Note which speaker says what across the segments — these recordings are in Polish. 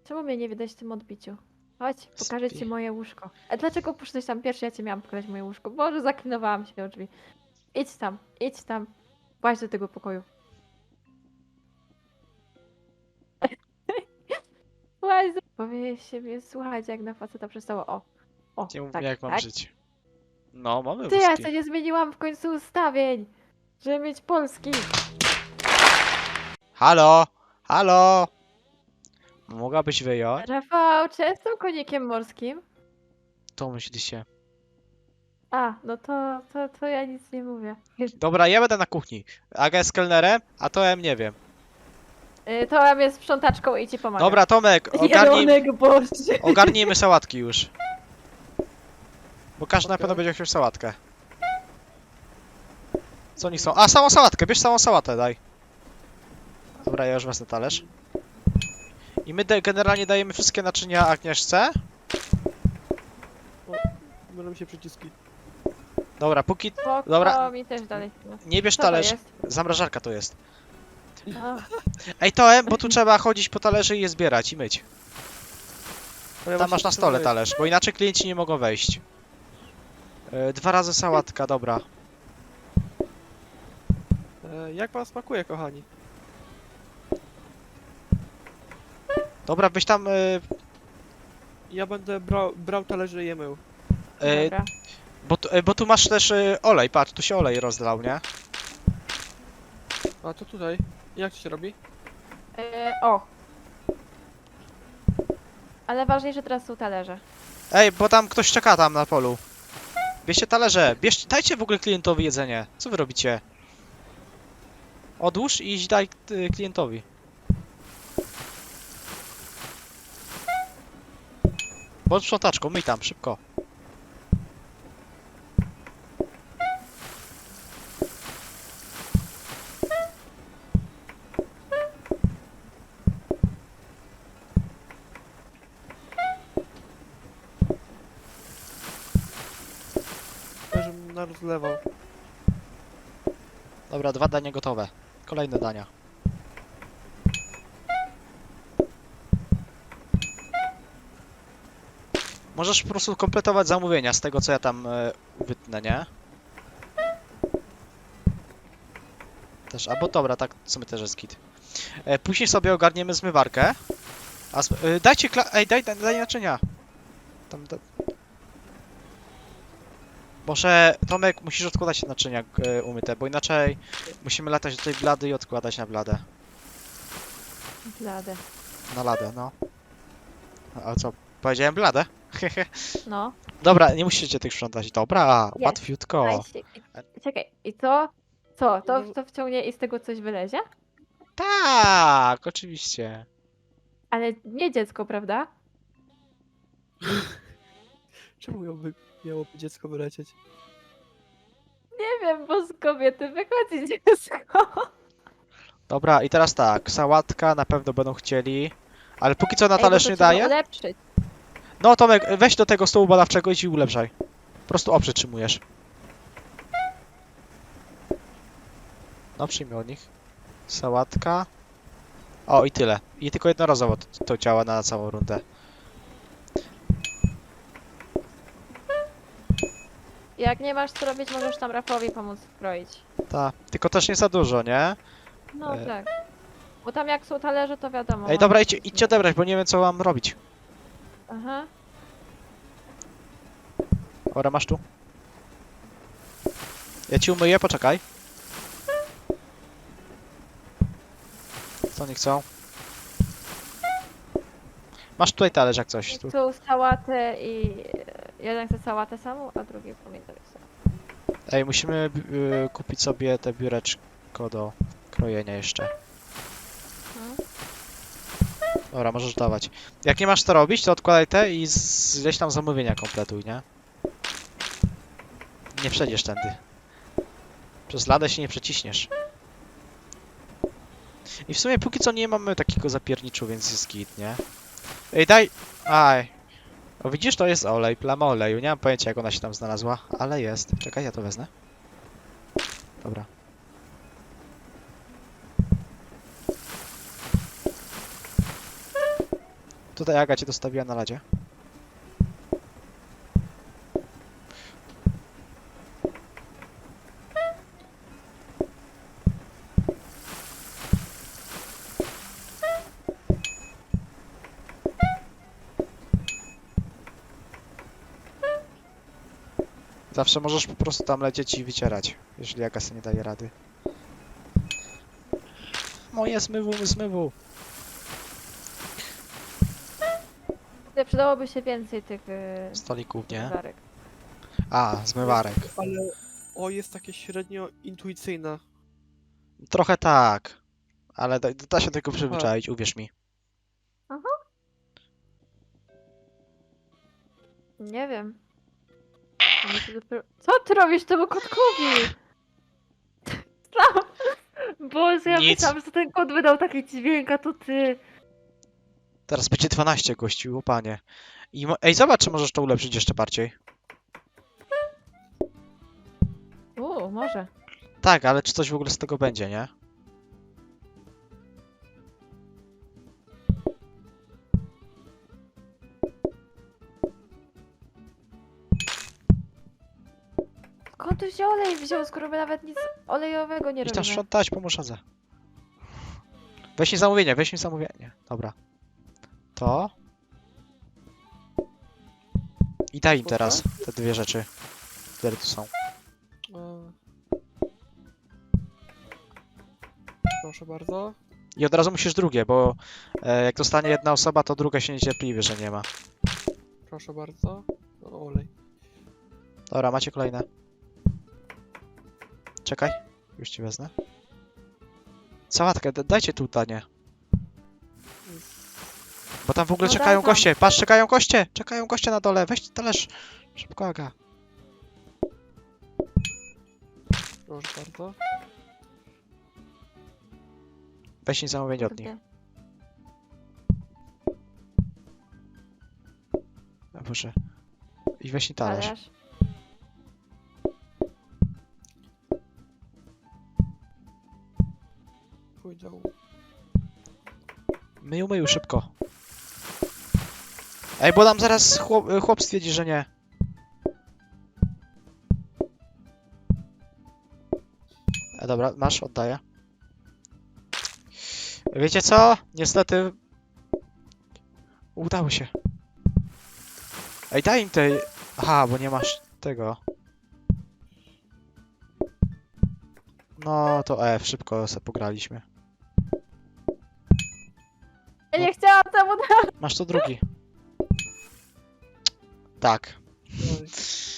Speaker 1: Czemu mnie nie widać w tym odbiciu? Chodź, pokażę ci
Speaker 2: Spi.
Speaker 1: moje łóżko. A dlaczego poszedłeś tam pierwszy? Ja cię miałam pokazać moje łóżko. Boże, zaklinowałam się o drzwi. Idź tam, idź tam. Właź do tego pokoju. Właź do... Powinien się słuchać, jak na faceta przestało. O,
Speaker 2: Nie mów
Speaker 1: tak,
Speaker 2: mi, jak mam
Speaker 1: tak.
Speaker 2: żyć. No, mamy
Speaker 1: Ty, ja
Speaker 2: wózki.
Speaker 1: co nie zmieniłam w końcu ustawień, żeby mieć polski.
Speaker 2: Halo! Halo! Mogłabyś wyjąć?
Speaker 1: Rafał, czy jestem konikiem morskim?
Speaker 2: To myśli się.
Speaker 1: A, no to ja nic nie mówię.
Speaker 2: Dobra, ja będę na kuchni. Aga jest kelnerem, a to ja nie wiem.
Speaker 1: To ja jest sprzątaczką i ci pomagam.
Speaker 2: Dobra, Tomek,
Speaker 1: Jelonek Boże.
Speaker 2: ogarnijmy sałatki już. Bo każdy na pewno będzie chciał sałatkę. Co oni chcą? A, samą sałatkę, bierz samą sałatę, daj. Dobra, ja już wezmę talerz. I my generalnie dajemy wszystkie naczynia Agnieszce.
Speaker 3: Mylą się przyciski.
Speaker 2: Dobra, póki...
Speaker 1: Spoko,
Speaker 2: Dobra.
Speaker 1: mi też dalej.
Speaker 2: Nie bierz
Speaker 1: Co to
Speaker 2: talerz.
Speaker 1: jest?
Speaker 2: Zamrażarka to jest.
Speaker 1: A,
Speaker 2: Ej, Toem, bo tu trzeba chodzić po talerze i je zbierać i myć.
Speaker 3: Ale
Speaker 2: Tam
Speaker 3: właśnie
Speaker 2: masz na
Speaker 3: chcę
Speaker 2: stole
Speaker 3: powiedzieć,
Speaker 2: talerz, bo inaczej klienci nie mogą wejść. 2 razy sałatka, dobra.
Speaker 3: Jak wam smakuje, kochani?
Speaker 2: Dobra, byś tam...
Speaker 3: Ja będę brał talerze i je mył.
Speaker 1: dobra.
Speaker 2: bo tu masz też olej, patrz, tu się olej rozlał, nie?
Speaker 3: A to tutaj? Jak to się robi?
Speaker 1: O. Ale ważniejsze teraz są talerze.
Speaker 2: Ej, bo tam ktoś czeka tam na polu. Bierzcie talerze, dajcie w ogóle klientowi jedzenie. Co wy robicie? Odłóż i daj klientowi. Bądź sprzątaczką, myj tam, szybko.
Speaker 3: Żebym rozlewał.
Speaker 2: Dobra, 2 dania gotowe. Kolejne dania. Możesz po prostu kompletować zamówienia z tego, co ja tam wytnę, nie? Też, albo dobra, tak w sumie też jest git. Później sobie ogarniemy zmywarkę. Dajcie ej, daj naczynia. Tam, Może, Tomek, musisz odkładać naczynia umyte, bo inaczej musimy latać do tej blady i odkładać na bladę.
Speaker 1: Blade.
Speaker 2: Na ladę, no. A co? Powiedziałem bladę?
Speaker 1: No.
Speaker 2: Dobra, nie musicie tych sprzątać. Dobra,
Speaker 1: Jest.
Speaker 2: łatwiutko.
Speaker 1: Daj się. Czekaj, i co? Co? To,
Speaker 3: No.
Speaker 1: to wciągnie i z tego coś wylezie?
Speaker 2: Tak, oczywiście.
Speaker 1: Ale nie dziecko, prawda?
Speaker 3: Czemu miałoby dziecko wylecieć?
Speaker 1: Nie wiem, bo z kobiety wychodzi dziecko.
Speaker 2: Dobra, i teraz tak, sałatka na pewno będą chcieli, ale póki co na
Speaker 1: Ej, bo
Speaker 2: talerz
Speaker 1: to
Speaker 2: nie
Speaker 1: trzeba
Speaker 2: daję.
Speaker 1: ulepszyć.
Speaker 2: No Tomek, weź do tego stołu badawczego i ci ulepszaj. Po prostu oprzytrzymujesz. No przyjmij od nich. Sałatka. O, i tyle. I tylko jednorazowo to działa na całą rundę.
Speaker 1: Jak nie masz co robić, możesz tam Rafowi pomóc kroić.
Speaker 2: Tak, tylko też nie za dużo, nie?
Speaker 1: No tak. Bo tam jak są talerze, to wiadomo.
Speaker 2: Ej, dobra, idźcie odebrać, bo nie wiem co mam robić.
Speaker 1: Aha.
Speaker 2: Dobra, masz tu. Ja ci umyję, poczekaj. Co oni chcą? Masz tutaj talerz jak coś. Tu.
Speaker 1: Chcą sałatę i... Jeden chce sałatę samą, a drugi pomidory samą.
Speaker 2: Ej, musimy kupić sobie te biureczko do krojenia jeszcze.
Speaker 1: No.
Speaker 2: Dobra, możesz dawać. Jak nie masz co robić, to odkładaj te i gdzieś tam zamówienia kompletuj, nie? Nie przejdziesz tędy. Przez ladę się nie przeciśniesz. I w sumie póki co nie mamy takiego zapierniczu, więc jest git, nie? Ej, daj! Aj! O, widzisz, to jest olej, plama oleju. Nie mam pojęcia, jak ona się tam znalazła, ale jest. Czekaj, ja to wezmę. Dobra. Tutaj Aga cię dostawiła na ladzie. Zawsze możesz po prostu tam lecieć i wycierać, jeżeli Aga sobie nie daje rady. Moje zmywu.
Speaker 1: Tutaj przydałoby się więcej tych
Speaker 2: Stolików, nie?
Speaker 1: zmywarek.
Speaker 2: A, zmywarek.
Speaker 3: Ale jest takie średnio intuicyjne.
Speaker 2: Trochę tak. Ale da się do tego przyzwyczaić, uwierz mi.
Speaker 1: Nie wiem. Oni się dopiero... Co ty robisz temu kotkowi? Co? Boże, ja
Speaker 2: Nic.
Speaker 1: myślałam, że ten kot wydał taki dźwięk, a to ty.
Speaker 2: Teraz będzie 12 gości, o panie. Ej, zobacz, czy możesz to ulepszyć jeszcze bardziej.
Speaker 1: Może.
Speaker 2: Tak, ale czy coś w ogóle z tego będzie, nie?
Speaker 1: Skąd tu się olej wziął, skoro my nawet nic olejowego nie
Speaker 2: I tam
Speaker 1: robimy?
Speaker 2: sprzątać, pomóż Adze. Weź mi zamówienie. Dobra. To. I daj im
Speaker 3: Spoko.
Speaker 2: teraz te dwie rzeczy, które tu są.
Speaker 3: E, Proszę bardzo.
Speaker 2: I od razu musisz drugie, bo jak dostanie jedna osoba, to druga się niecierpliwi, że nie ma.
Speaker 3: Proszę bardzo. Olej.
Speaker 2: Dobra, macie kolejne. Czekaj, już ci wezmę. Sałatkę, dajcie tu danie. Bo tam w ogóle
Speaker 1: No
Speaker 2: czekają
Speaker 1: dawam.
Speaker 2: goście. Patrz, czekają goście! Czekają goście na dole. Weź talerz. Szybko, Aga.
Speaker 3: Proszę bardzo.
Speaker 2: Weź mi zamówienie od nich.
Speaker 1: Kurde.
Speaker 2: A Boże. I weź mi talerz.
Speaker 1: Talerz.
Speaker 3: Pójdę.
Speaker 2: Myju, szybko. Ej, bo nam zaraz chłop stwierdzi, że nie. Dobra, masz, oddaję. Wiecie co? Niestety... Udało się. Ej, daj im tej... Aha, bo nie masz tego. No to szybko se pograliśmy.
Speaker 1: Ja nie chciałam temu dać.
Speaker 2: Masz to drugi. Tak.
Speaker 3: Olej.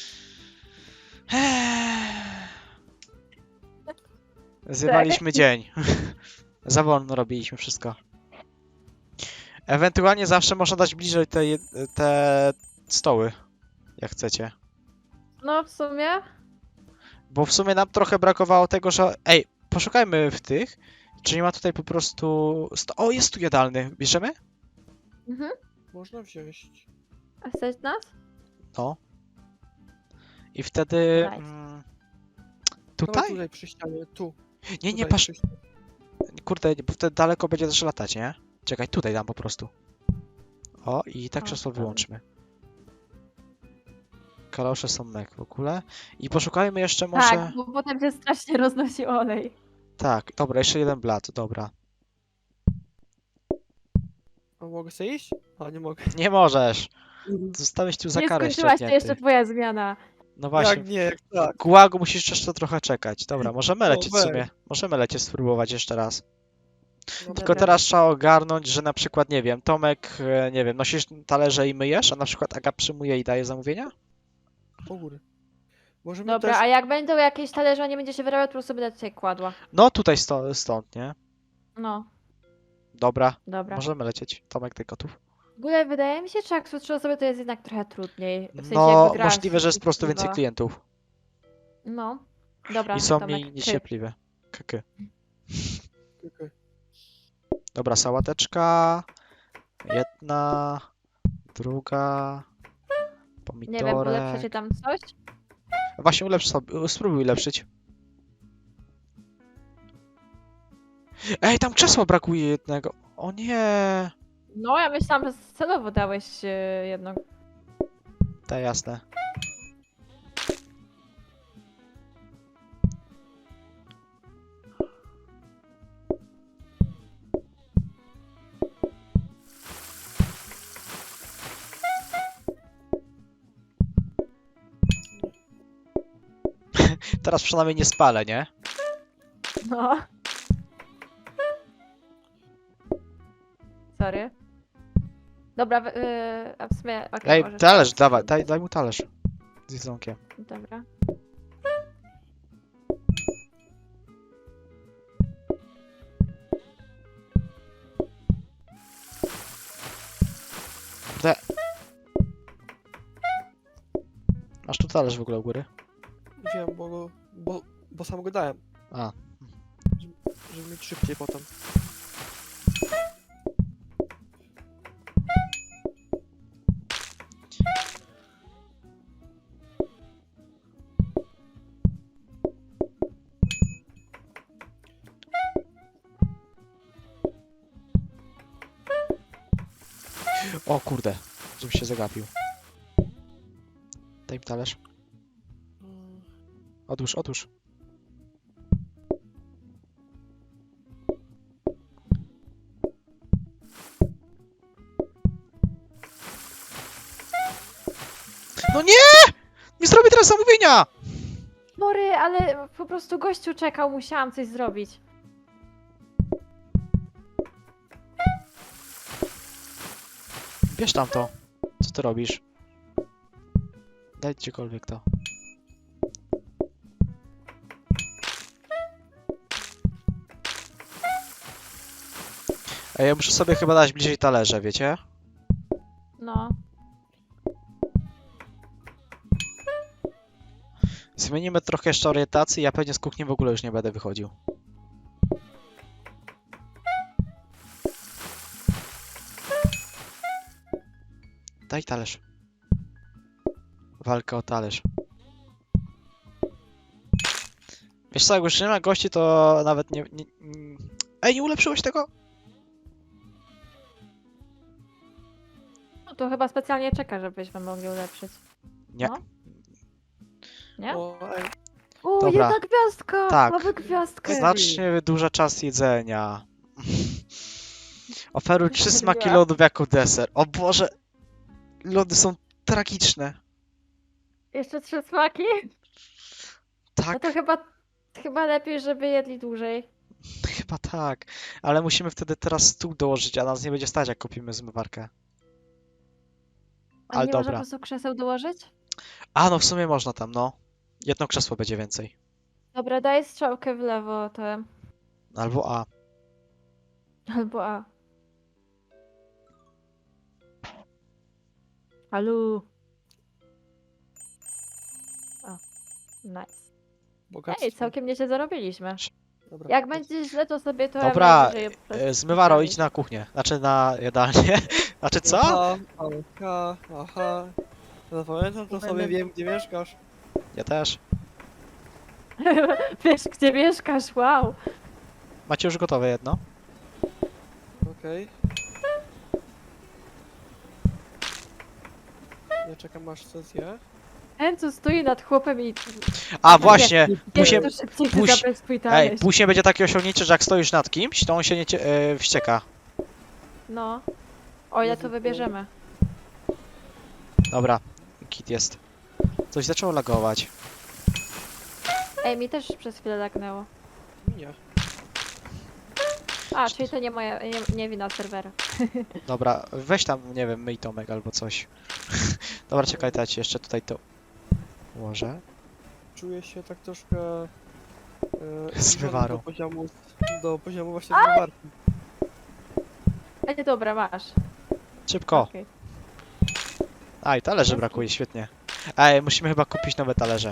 Speaker 2: Zjewaliśmy dzień. Za wolno robiliśmy wszystko. Ewentualnie zawsze można dać bliżej te stoły, jak chcecie.
Speaker 1: No w sumie.
Speaker 2: Bo w sumie nam trochę brakowało tego, że... Ej, poszukajmy w tych. Czy nie ma tutaj po prostu... O, jest tu jadalny. Bierzemy?
Speaker 1: Mhm.
Speaker 3: Można wziąć.
Speaker 1: A chcesz nas?
Speaker 2: No. I wtedy...
Speaker 1: Nice.
Speaker 3: Dawaj
Speaker 2: Tutaj?
Speaker 3: tutaj przy ścianie. Tu.
Speaker 2: Nie,
Speaker 3: Tutaj
Speaker 2: patrz.
Speaker 3: przy ścianie.
Speaker 2: Kurde, bo wtedy daleko będzie też latać, nie? Czekaj, tutaj dam po prostu. O, i tak
Speaker 1: O,
Speaker 2: krzesło
Speaker 1: dobra.
Speaker 2: wyłączmy. Kalosze są mek w ogóle. I poszukajmy jeszcze może...
Speaker 1: Tak, bo potem się strasznie roznosi olej.
Speaker 2: Tak, dobra, jeszcze jeden blat, dobra.
Speaker 3: A mogę sobie iść? A nie mogę.
Speaker 2: Nie możesz! Zostałeś tu za
Speaker 1: Nie
Speaker 2: karę
Speaker 1: skończyłaś, to
Speaker 2: ściągnięty.
Speaker 1: jeszcze twoja zmiana.
Speaker 2: No właśnie.
Speaker 3: Jak nie, jak tak.
Speaker 2: Gułagu musisz jeszcze trochę czekać. Dobra, możemy
Speaker 3: No
Speaker 2: lecieć w
Speaker 3: weź.
Speaker 2: sumie. Możemy lecieć spróbować jeszcze raz.
Speaker 3: No,
Speaker 2: Tylko
Speaker 1: Dobra.
Speaker 2: teraz trzeba ogarnąć, że na przykład, nie wiem, Tomek, nie wiem, nosisz talerze i myjesz, a na przykład Aga przyjmuje i daje zamówienia?
Speaker 3: u góry. Możemy
Speaker 1: Dobra,
Speaker 3: też...
Speaker 1: a jak będą jakieś talerze, a nie będzie się wyrabiać, to po prostu będę tutaj kładła.
Speaker 2: No tutaj stąd, nie?
Speaker 1: No,
Speaker 2: Dobra,
Speaker 1: dobra.
Speaker 2: możemy lecieć. Tomek, ty gotów?
Speaker 1: W ogóle wydaje mi się, że jak są 3 osoby, to jest jednak trochę trudniej. W sensie
Speaker 2: No,
Speaker 1: jakby gra
Speaker 2: możliwe, że jest po prostu
Speaker 1: się
Speaker 2: więcej klientów.
Speaker 1: No, dobra,
Speaker 2: I są
Speaker 1: Tomek,
Speaker 2: mniej
Speaker 1: ty.
Speaker 2: niecierpliwe. Kyky.
Speaker 3: Okej.
Speaker 2: Dobra, sałateczka. Jedna. Druga.
Speaker 1: Nie wiem, ulepszycie
Speaker 2: Pomidorek.
Speaker 1: tam coś?
Speaker 2: Właśnie ulepsz sobie, spróbuj ulepszyć. Ej, tam krzesła brakuje jednego. O nie.
Speaker 1: No, ja myślałam, że celowo dałeś jedno.
Speaker 2: Tak, jasne. Teraz przynajmniej nie spalę, nie?
Speaker 1: No. Sorry. Dobra, a w sumie... okej,
Speaker 2: Ej,
Speaker 1: możesz
Speaker 2: talerz,
Speaker 1: teraz.
Speaker 2: dawaj, daj mu talerz. Z jedzonkiem.
Speaker 1: Dobra.
Speaker 2: Te... Masz tu talerz w ogóle u góry?
Speaker 3: Wiem, bo sam go dałem.
Speaker 2: A.
Speaker 3: Żeby mieć szybciej potem.
Speaker 2: O kurde, żebym się zagapił. Daj mi talerz.
Speaker 3: Mm,
Speaker 2: Odłóż, odłóż. No nie! Nie zrobię teraz zamówienia!
Speaker 1: Sorry, ale po prostu gościu czekał, musiałam coś zrobić.
Speaker 2: Bierz tam to. Co ty robisz? Daj gdziekolwiek to. Ej, ja muszę sobie chyba dać bliżej talerze, wiecie?
Speaker 1: No.
Speaker 2: Zmienimy trochę jeszcze orientację, ja pewnie z kuchni w ogóle już nie będę wychodził. Daj talerz. Walka o talerz. Wiesz co, jak już nie ma gości, to nawet nie... Ej, nie ulepszyłeś tego?
Speaker 1: No to chyba specjalnie czeka, żebyśmy mogli ulepszyć.
Speaker 2: Nie.
Speaker 1: No. Nie?
Speaker 3: O, ej,
Speaker 1: O,
Speaker 2: Dobra.
Speaker 1: jedna gwiazdka!
Speaker 2: Tak.
Speaker 1: Mamy gwiazdkę!
Speaker 2: Znacznie wydłuża czas jedzenia. Oferuj 3
Speaker 1: Zrobiła.
Speaker 2: smaki lodów jako deser. O Boże! Lody są tragiczne.
Speaker 1: Jeszcze 3 smaki? No
Speaker 2: Tak,
Speaker 1: to chyba lepiej, żeby jedli dłużej.
Speaker 2: chyba tak. Ale musimy wtedy teraz stół dołożyć, a nas nie będzie stać, jak kupimy zmywarkę.
Speaker 1: A
Speaker 2: Ale
Speaker 1: nie można po
Speaker 2: dobra.
Speaker 1: prostu krzeseł dołożyć?
Speaker 2: A, no w sumie można tam, no. Jedno krzesło będzie więcej.
Speaker 1: Dobra, daj strzałkę w lewo, to...
Speaker 2: Albo A.
Speaker 1: Albo A. Alu. O, nice.
Speaker 3: bogactwo.
Speaker 1: Ej, całkiem nieźle zarobiliśmy.
Speaker 3: Dobra.
Speaker 1: Jak będzie źle, to sobie to
Speaker 2: Dobra,
Speaker 1: najwyżej
Speaker 2: Zmywaro,
Speaker 1: postawić.
Speaker 2: idź na kuchnię. Znaczy na jadalnię. Znaczy co?
Speaker 3: Aha, aha, aha. Zapamiętam to sobie,
Speaker 1: Będę-
Speaker 3: wiem gdzie mieszkasz.
Speaker 2: Ja też.
Speaker 1: Wiesz, gdzie mieszkasz, wow.
Speaker 2: Macie już gotowe jedno?
Speaker 3: Okej. Ja czekam aż co zje.
Speaker 1: Ten, co stoi nad chłopem i...
Speaker 2: A, właśnie! Później,
Speaker 1: to szybciej
Speaker 2: puś-
Speaker 1: zabrać swój
Speaker 2: ej,
Speaker 1: talerz.
Speaker 2: później będzie takie osiągnięcie, że jak stoisz nad kimś, to on się nie wścieka.
Speaker 1: No. O ile to
Speaker 3: Jezu,
Speaker 1: wybierzemy.
Speaker 2: Dobra, kit jest. Coś zaczęło lagować.
Speaker 1: Ej, mi też przez chwilę lagnęło.
Speaker 3: Nie.
Speaker 1: A, czyli to nie moja, nie wina serwera.
Speaker 2: Dobra, weź tam, nie wiem, myj Tomek albo coś. Dobra, czekaj, to ja ci jeszcze tutaj to ułożę.
Speaker 3: Czuję się tak troszkę...
Speaker 2: Zmywarą.
Speaker 3: Do poziomu właśnie zmywarki.
Speaker 1: Ej, dobra, masz.
Speaker 2: Szybko!
Speaker 1: Okej.
Speaker 2: Aj, talerzy brakuje, świetnie. Ej, musimy chyba kupić nowe talerze.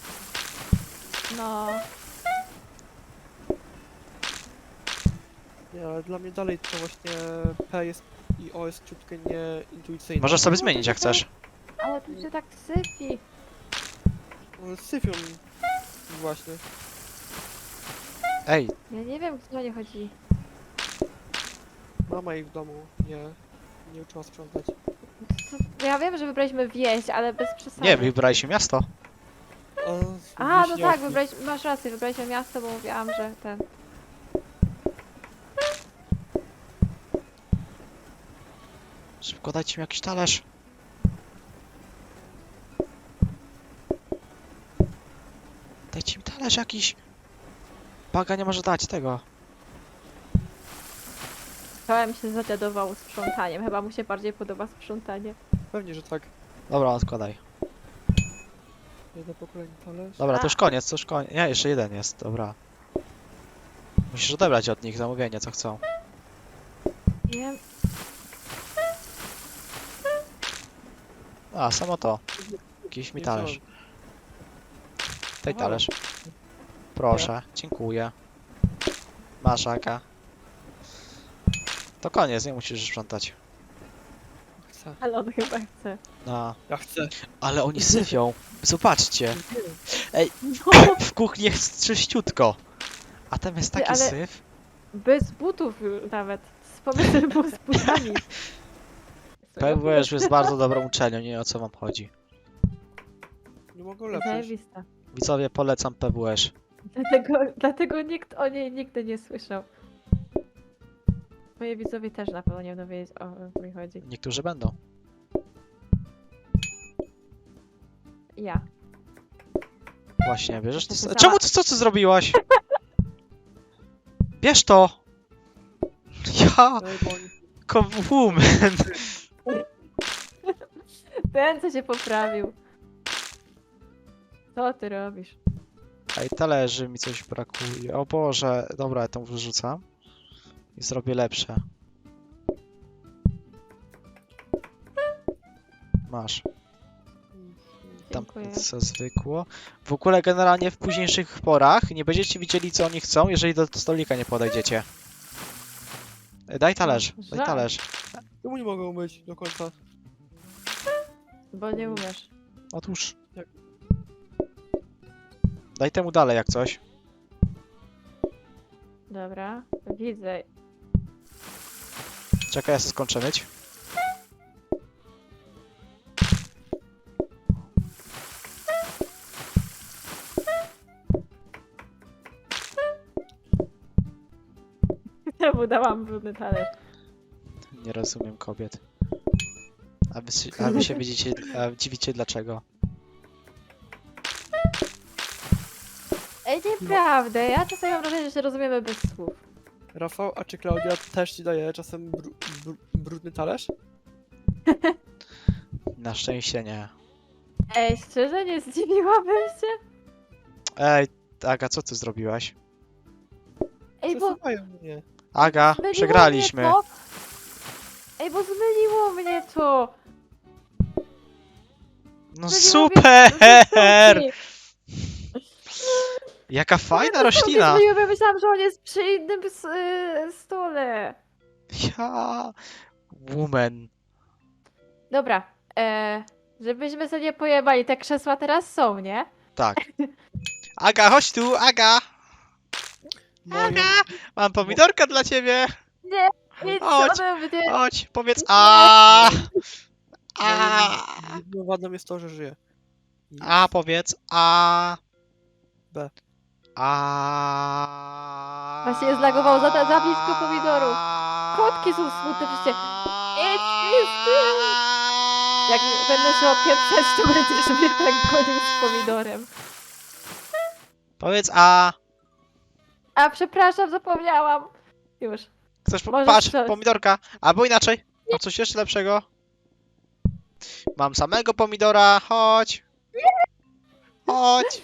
Speaker 1: No.
Speaker 3: Nie, ale dla mnie dalej to właśnie P jest i O jest ciutkę nieintuicyjne.
Speaker 2: Możesz sobie zmienić jak chcesz.
Speaker 1: Ale tu się tak syfi.
Speaker 3: No, syfią właśnie.
Speaker 2: Ej,
Speaker 1: Ja nie wiem, gdzie o nie chodzi.
Speaker 3: Mama ich w domu, nie. nie uczyła sprzątać.
Speaker 1: Ja wiem, że wybraliśmy wieś, ale bez przesady.
Speaker 2: Nie, wybraliśmy miasto.
Speaker 1: A, no
Speaker 3: Wiśniowki.
Speaker 1: tak, masz rację, wybraliśmy miasto, bo mówiłam, że ten...
Speaker 2: Szybko dajcie mi jakiś talerz. Dajcie mi talerz jakiś. Baga nie może dać tego.
Speaker 1: Czołem się zadziadował sprzątaniem, chyba mu się bardziej podoba sprzątanie.
Speaker 3: Pewnie, że tak.
Speaker 2: Dobra, odkładaj.
Speaker 3: Jedno pokolenie talerz.
Speaker 2: Dobra, to już
Speaker 1: A.
Speaker 2: koniec, to już koniec. Nie, jeszcze jeden jest, dobra. Musisz odebrać od nich zamówienie, co chcą.
Speaker 1: Wiem.
Speaker 2: A, samo to. Jakiś mi
Speaker 3: Nie
Speaker 2: talerz.
Speaker 3: wziąłem.
Speaker 2: Daj
Speaker 3: Aha.
Speaker 2: talerz. Proszę, dziękuję. Masz, Aga. To koniec, nie musisz sprzątać.
Speaker 3: Chcę.
Speaker 1: Ale on chyba chce.
Speaker 2: No.
Speaker 3: Ja chcę.
Speaker 2: Ale oni syfią. Zobaczcie.
Speaker 1: No,
Speaker 2: W kuchni jest czyściutko. A tam jest
Speaker 1: Ty,
Speaker 2: taki
Speaker 1: ale-
Speaker 2: syf.
Speaker 1: bez butów już nawet. Pomysł był z butami.
Speaker 2: PWS jest bardzo dobrą uczelnią, nie wiem, o co wam chodzi.
Speaker 3: Nie mogę ulepszyć.
Speaker 1: Zajebista.
Speaker 2: Widzowie, polecam PWS.
Speaker 1: Dlatego nikt o niej nigdy nie słyszał. Moje widzowie też na pewno nie będą wiedzieć, o co mi chodzi.
Speaker 2: Niektórzy będą.
Speaker 1: Ja.
Speaker 2: Właśnie, bierzesz to.
Speaker 1: Napisała-
Speaker 2: Czemu co ty zrobiłaś? Bierz to! Ja,
Speaker 3: Ej, bo oni...
Speaker 2: woman.
Speaker 1: Ten, co się poprawił. Co ty robisz?
Speaker 2: Ej, talerzy mi coś brakuje. O Boże, dobra, ja tą wyrzucam. I zrobię lepsze. Masz. Tam
Speaker 1: Dziękuję.
Speaker 2: co zwykło. W ogóle generalnie w późniejszych porach nie będziecie widzieli co oni chcą, jeżeli do stolika nie podejdziecie. Daj talerz, daj
Speaker 1: Żal.
Speaker 2: talerz.
Speaker 3: Czemu nie mogę umyć do końca?
Speaker 1: Bo nie umiesz.
Speaker 2: Otóż.
Speaker 3: Jak?
Speaker 2: Daj temu dalej jak coś.
Speaker 1: Dobra, widzę.
Speaker 2: Czekaj, ja sobie skończę myć.
Speaker 1: Temu dałam brudny talerz.
Speaker 2: Nie rozumiem kobiet. A wy się widzicie, dziwicie dlaczego.
Speaker 1: Ej, nieprawda, ja czasami mam wrażenie, że się rozumiemy bez słów.
Speaker 3: Rafał, a czy Klaudia też ci daje czasem brudny talerz?
Speaker 2: Na szczęście nie.
Speaker 1: Ej, szczerze, nie zdziwiłabym się?
Speaker 2: Ej, Aga, co ty zrobiłaś?
Speaker 1: Ej, bo
Speaker 3: Przesuwają mnie.
Speaker 2: Aga,
Speaker 1: zmyliło
Speaker 2: przegraliśmy.
Speaker 1: mnie to. Ej, bo zmyliło mnie to.
Speaker 2: No
Speaker 1: Zmyliło
Speaker 2: super!
Speaker 1: mnie-
Speaker 2: Jaka fajna
Speaker 1: Sobie
Speaker 2: roślina!
Speaker 1: zmyliło, bo myślałam, że on jest przy innym stole.
Speaker 2: Ja... Woman.
Speaker 1: Dobra, żebyśmy sobie nie pojebali, te krzesła teraz są, nie?
Speaker 2: Tak. Aga, chodź tu, Aga!
Speaker 3: Moją...
Speaker 2: Mam pomidorka dla ciebie!
Speaker 1: Nie, nic
Speaker 2: Chodź,
Speaker 1: ode mnie.
Speaker 2: Chodź, powiedz a. A.
Speaker 3: Jedyną wadą jest to, że żyje.
Speaker 2: A, powiedz a.
Speaker 3: B.
Speaker 2: A.
Speaker 1: Właśnie zlagował za blisko pomidorów. Kotki są smutne, przecież. Idź z tym. Jak będę się opieprzać, to będziesz mnie tak gonił z pomidorem.
Speaker 2: Powiedz a.
Speaker 1: A przepraszam, zapomniałam. Już.
Speaker 2: Chcesz
Speaker 1: Możesz
Speaker 2: patrz,
Speaker 1: strzelać.
Speaker 2: pomidorka. Albo inaczej. Mam coś jeszcze lepszego. Mam samego pomidora, chodź. Chodź.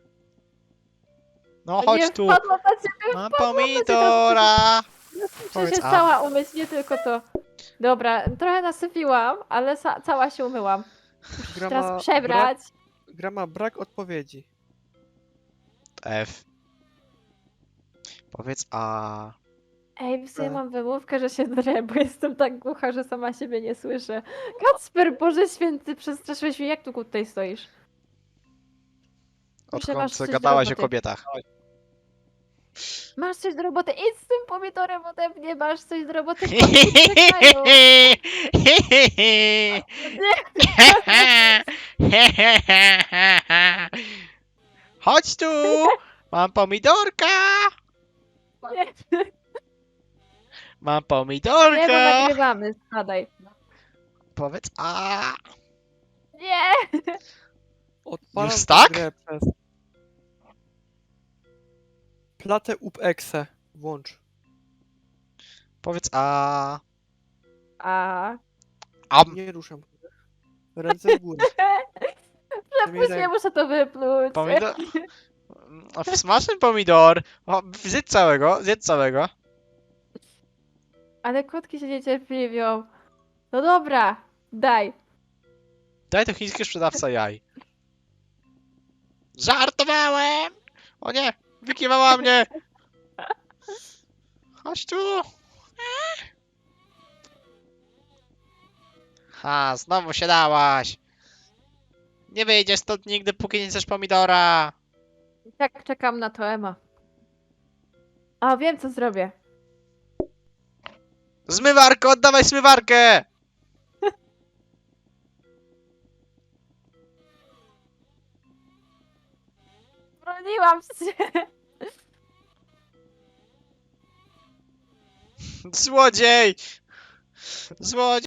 Speaker 2: No chodź
Speaker 1: Nie
Speaker 2: tu.
Speaker 1: wpadłam na ciebie,
Speaker 2: Mam
Speaker 1: wpadłam na ciebie.
Speaker 2: pomidora.
Speaker 1: Przecież
Speaker 2: Powiedz
Speaker 1: jest
Speaker 2: a.
Speaker 1: cała umyć, nie tylko to. Dobra, trochę nasypiłam, ale cała się umyłam.
Speaker 3: Gra ma
Speaker 1: Teraz przebrać.
Speaker 3: Gra ma brak odpowiedzi.
Speaker 2: F. Powiedz a.
Speaker 1: Ej, w sumie
Speaker 3: E.
Speaker 1: mam wymówkę, że się drę, bo jestem tak głucha, że sama siebie nie słyszę. Kacper, Boże Święty, przestraszyłeś mnie, jak tu tutaj stoisz? Proszę, masz
Speaker 2: Odkąd
Speaker 1: coś do
Speaker 2: gadałaś o
Speaker 1: roboty.
Speaker 2: kobietach.
Speaker 1: Masz coś do roboty, idź z tym pomidorem ode mnie, masz coś do roboty, kotki czekają.
Speaker 2: Chodź tu! Mam pomidorka!
Speaker 1: Nie,
Speaker 2: Mam
Speaker 1: nie, bo
Speaker 2: pomidorka!
Speaker 1: nagrywamy, spadaj.
Speaker 2: Powiedz a.
Speaker 1: Nie!
Speaker 3: Odpalam
Speaker 2: Już
Speaker 3: tę
Speaker 2: tak?
Speaker 3: grę przez... Platę UPEXE. Włącz.
Speaker 2: Powiedz a.
Speaker 1: A...
Speaker 2: Am.
Speaker 3: Nie ruszam. Ręce w górę.
Speaker 1: Przepuść mnie, muszę to wypluć.
Speaker 2: Pomidor. Smaczny pomidor. O, zjedz całego, zjedz całego.
Speaker 1: Ale kotki się niecierpliwią. No dobra, daj.
Speaker 2: Daj to chiński sprzedawca jaj. Żartowałem! O nie! Wykiwała mnie! Chodź tu! Ha, znowu się dałaś! Nie wyjdziesz stąd nigdy, póki nie chcesz pomidora!
Speaker 1: Tak, czekam na to, Ema. A, wiem co zrobię.
Speaker 2: Zmywarko, oddawaj zmywarkę!
Speaker 1: Broniłam się.
Speaker 2: Złodziej! Złodziej!